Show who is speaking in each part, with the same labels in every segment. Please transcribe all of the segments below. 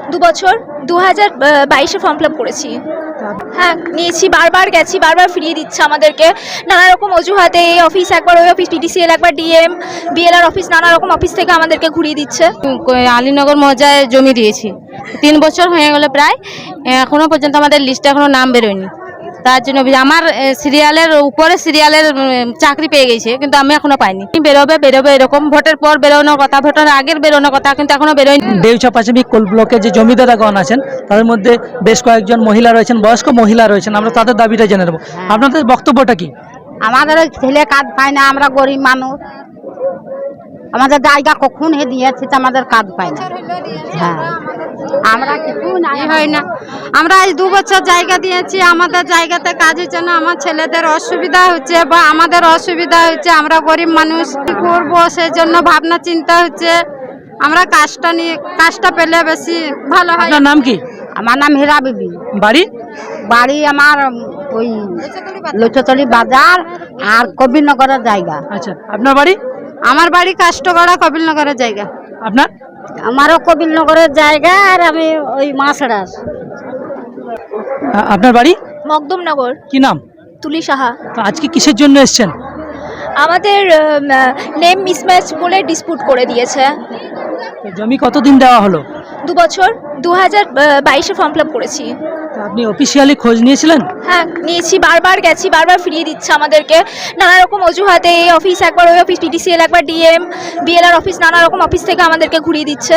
Speaker 1: 2 বছর 2022-এ form fill up করেছি। হ্যাঁ নিয়েছি, বারবার গেছি, বারবার ফিরিয়ে দিচ্ছে আমাদেরকে নানা রকম অজুহাতে। এই অফিস একবার, ওই অফিস, PDCL একবার, DM BLR অফিস, নানা রকম অফিস থেকে আমাদেরকে ঘুরিয়ে দিচ্ছে।
Speaker 2: আলীনগর মৌজায় জমি দিয়েছি, 3 বছর হয়ে গেল প্রায়, এখনো পর্যন্ত আমাদের লিস্টে এখনো নাম বেরোয়নি। তার জন্য আমার সিরিয়ালের উপরে সিরিয়ালের চাকরি পেয়ে গেছে, কিন্তু আমি এখনো পাইনি। বেরোবে বেরোবে এরকম, ভোটের পর বেরোনোর কথা, ভোটের আগের বেরোনোর কথা, কিন্তু এখনো বেরোয়নি।
Speaker 3: দেউচা প্রাথমিক কোল ব্লকের যে জমিদারগণ আছেন তাদের মধ্যে বেশ কয়েকজন মহিলা রয়েছেন, বয়স্ক মহিলা রয়েছেন, আমরা তাদের দাবিটা জেনে নেব। আপনাদের বক্তব্যটা কি?
Speaker 4: আমাদের ওই ছেলে কাজ পায় না, আমরা গরিব মানুষ, আমাদের জায়গা কখন দিয়েছে, আমাদের কাজ পায় না। হ্যাঁ আমরা কিছু নাই হয় না। আমরা আজ 2 বছর জায়গা দিয়েছি, আমাদের জায়গাতে কাজ হচ্ছে না, আমার ছেলেদের অসুবিধা হচ্ছে বা আমাদের অসুবিধা হচ্ছে। আমরা গরিব মানুষ, কি করবো সেই জন্য ভাবনা চিন্তা হচ্ছে। আমরা কাজটা পেলে বেশি ভালো হয়।
Speaker 3: আপনার নাম কি?
Speaker 4: আমার নাম হীরা বিবি।
Speaker 3: বাড়ি?
Speaker 4: বাড়ি আমার ওই লুচতলি বাজার আর কবিরনগরের জায়গা।
Speaker 3: আচ্ছা, আপনার বাড়ি?
Speaker 4: আমার বাড়ি কাষ্টগড়া, কবিরনগরের জায়গা।
Speaker 3: আপনার?
Speaker 4: আমারও কবিরনগরের জায়গা, আর আমি ওই মাছড়ার।
Speaker 3: আপনার বাড়ি?
Speaker 1: মকদমনগর।
Speaker 3: কি নাম?
Speaker 1: তুলি সাহা।
Speaker 3: তো আজকে কিসের জন্য এসেছেন?
Speaker 1: আমাদের নেম মিসম্যাচ বলে ডিসপুট করে দিয়েছে।
Speaker 3: তো জমি কতদিন দেওয়া হলো?
Speaker 1: 2 বছর 2022-এ ফর্ম ফিল আপ করেছি।
Speaker 3: তো আপনি অফিসিয়ালি খোঁজ নিয়েছিলেন?
Speaker 1: হ্যাঁ নিয়েছি, বারবার গেছি, বারবার ফিরিয়ে দিচ্ছে আমাদেরকে নানা রকম অজুহাতে। এই অফিস একবার, ওই অফিস, PDCL একবার, DM BLR অফিস, নানা রকম অফিস থেকে আমাদেরকে ঘুরিয়ে দিচ্ছে।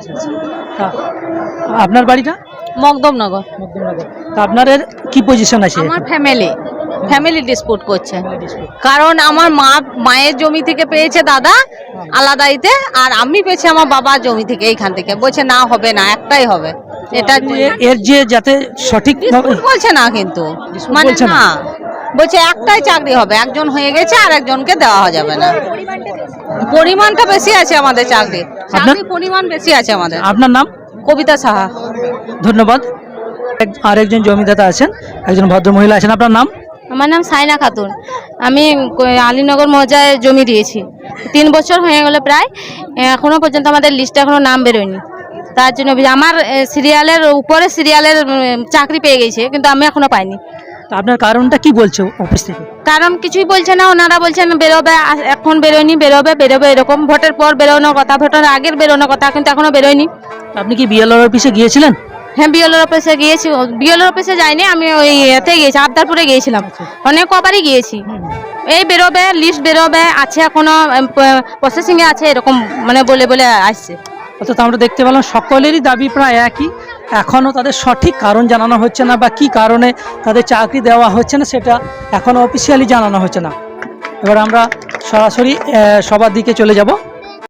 Speaker 3: আপনার বাড়িটা?
Speaker 2: মকদমনগর।
Speaker 3: মধ্যমনগর। তো আপনাদের কি পজিশন আছে?
Speaker 2: আমার ফ্যামিলি ডিসপুট করছে, কারণ আমার মায়ের জমি থেকে পেয়েছে দাদা আলাদাইতে, আর আমি পেয়েছি আমার বাবার জমি থেকে, এইখান থেকে। বলছে না হবে না, একটাই হবে। এটা
Speaker 3: এর যে যাতে সঠিক
Speaker 2: বলছে না, কিন্তু মানে
Speaker 3: বলছে না।
Speaker 2: না, বলছে একটাই চাকরি হবে, একজন হয়ে গেছে আর একজনকে দেওয়া যাবে না। পরিমাণটা বেশি আছে আমাদের, চাকরির পরিমাণ বেশি আছে আমাদের।
Speaker 3: আপনার নাম?
Speaker 2: কবিতা সাহা।
Speaker 3: ধন্যবাদ। আরেকজন জমিদাতা আছেন, একজন ভদ্র মহিলা আছেন। আপনার নাম?
Speaker 2: আমার নাম সাইনা খাতুন। আমি আলীনগর মৌজায় জমি দিয়েছি, 3 বছর হয়ে গেল প্রায়, এখনো পর্যন্ত আমাদের লিস্টে এখনো নাম বেরোয়নি। তার জন্য আমার সিরিয়ালের উপরে সিরিয়ালের চাকরি পেয়ে গেছে, কিন্তু আমি এখনো পাইনি।
Speaker 3: তো আপনার কারণটা কি বলছে অফিস থেকে?
Speaker 2: কারণ কিছুই বলছে না, ওনারা বলছেন বেরোবে, এখন বেরোয়নি, বেরোবে বেরোবে এরকম, ভোটের পর বেরোনোর কথা, ভোটের আগের বেরোনোর কথা, কিন্তু এখনো বেরোয়নি।
Speaker 3: আপনি কি BLR অফিসে গিয়েছিলেন?
Speaker 2: হ্যাঁ BLR অফিসে গিয়েছি। BLR অফিসে যাইনি, আমি ওই এতে গিয়েছি, আবদারপুরে গিয়েছিলাম, অনেক কবারই গিয়েছি। এই বেরোবে, লিস্ট বেরোবে, আছে এখনো প্রসেসিংয়ে আছে, এরকম মানে বলে বলে আসছে।
Speaker 3: অর্থাৎ আমরা দেখতে পেলাম সকলেরই দাবি প্রায় একই, এখনও তাদের সঠিক কারণ জানানো হচ্ছে না, বা কি কারণে তাদের চাকরি দেওয়া হচ্ছে না সেটা এখনও অফিসিয়ালি জানানো হচ্ছে না। এবার আমরা সরাসরি সবার দিকে চলে যাব।